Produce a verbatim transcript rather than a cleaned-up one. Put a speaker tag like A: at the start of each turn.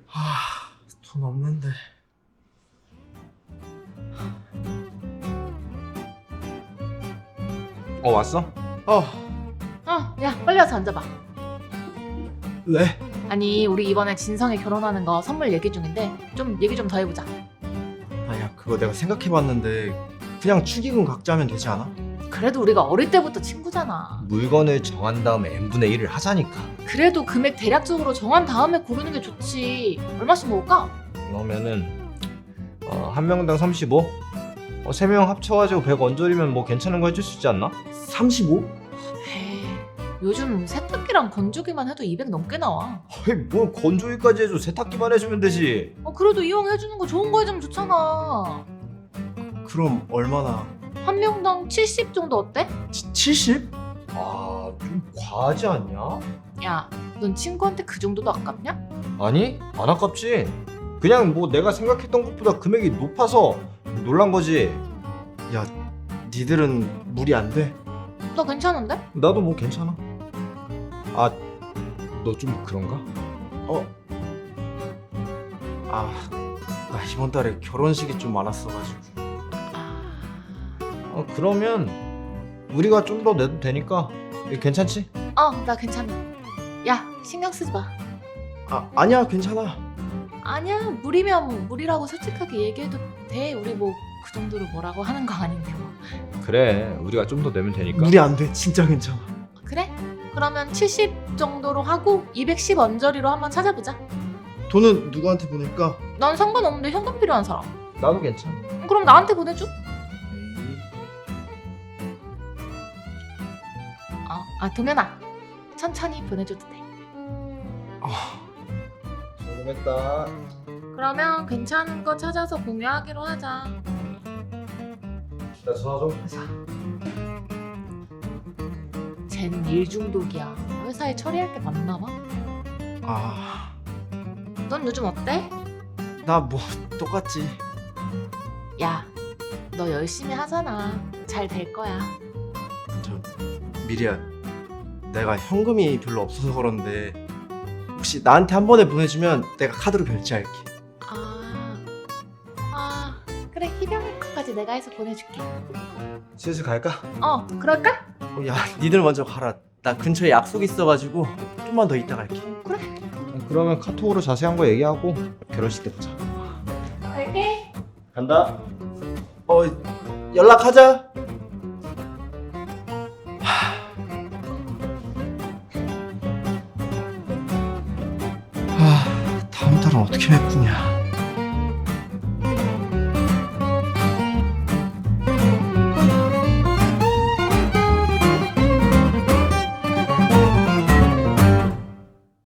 A: 아, 돈 없는데.
B: 어 왔어?
A: 어,
C: 어, 야, 빨리 와서 앉아봐.
A: 왜?
C: 아니, 우리 이번에 진성이 결혼하는 거 선물 얘기 중인데 좀 얘기 좀 더 해보자.
A: 아야, 그거 내가 생각해봤는데 그냥 축의금 각자 하면 되지 않아?
C: 그래도 우리가 어릴 때부터 친구잖아.
B: 물건을 정한 다음에 n분의 일을 하자니까.
C: 그래도 금액 대략적으로 정한 다음에 고르는 게 좋지. 얼마씩 모을까?
B: 그러면은 어, 한 명당 삼십오? 어, 세 명 합쳐가지고 백 원짜리면 뭐 괜찮은 거 해줄 수 있지 않나?
A: 삼십오?
C: 에이, 요즘 세탁기랑 건조기만 해도 이백 넘게 나와.
B: 아이 뭘 건조기까지 해줘. 세탁기만 해주면 되지.
C: 어, 그래도 이용해주는 거 좋은 거 해주면 좋잖아.
A: 그럼 얼마나?
C: 한 명당 칠십 정도 어때?
A: 치, 칠십?
B: 아 좀 과하지 않냐?
C: 야, 넌 친구한테 그 정도도 아깝냐?
B: 아니 안 아깝지. 그냥 뭐 내가 생각했던 것보다 금액이 높아서 놀란 거지.
A: 야, 니들은 무리 안 돼?
C: 나 괜찮은데?
B: 나도 뭐 괜찮아. 아 너 좀 그런가?
A: 어? 아, 나 이번 달에 결혼식이 좀 많았어가지고.
B: 어 그러면 우리가 좀 더 내도 되니까 괜찮지?
C: 어, 나 괜찮아. 야, 신경 쓰지 마.
A: 아, 아니야, 괜찮아.
C: 아니야, 무리면 무리라고 솔직하게 얘기해도 돼. 우리 뭐 그 정도로 뭐라고 하는 거 아닌데 뭐.
B: 그래 우리가 좀 더 내면 되니까.
A: 무리 안 돼, 진짜 괜찮아.
C: 그래? 그러면 칠십 정도로 하고 이백십 언저리로 한번 찾아보자.
A: 돈은 누구한테 보낼까?
C: 난 상관없는데 현금 필요한 사람.
B: 나도 괜찮아.
C: 그럼 나한테 보내줘. 어, 아 동현아, 천천히 보내줘도 돼.
A: 아,
B: 성공했다.
C: 그러면 괜찮은 거 찾아서 공유하기로 하자.
B: 나 전화 좀.
C: 쟨 일 중독이야. 회사에 처리할 게 많나 봐.
A: 아,
C: 넌 요즘 어때?
A: 나 뭐 똑같지.
C: 야, 너 열심히 하잖아. 잘 될 거야.
A: 저 미리야, 내가 현금이 별로 없어서 그런데 혹시 나한테 한 번에 보내주면 내가 카드로 결제할게.
C: 아, 아, 그래, 희병이 거까지 내가 해서 보내줄게.
B: 슬슬 갈까?
C: 어, 그럴까?
A: 어, 야, 니들 먼저 가라. 나 근처에 약속 있어가지고 좀만 더 이따 갈게.
C: 그래,
B: 그러면 카톡으로 자세한 거 얘기하고 결혼식 때 보자.
C: 갈게.
A: 간다. 어, 연락하자. 하, 다음 달은 어떻게 메꾸냐.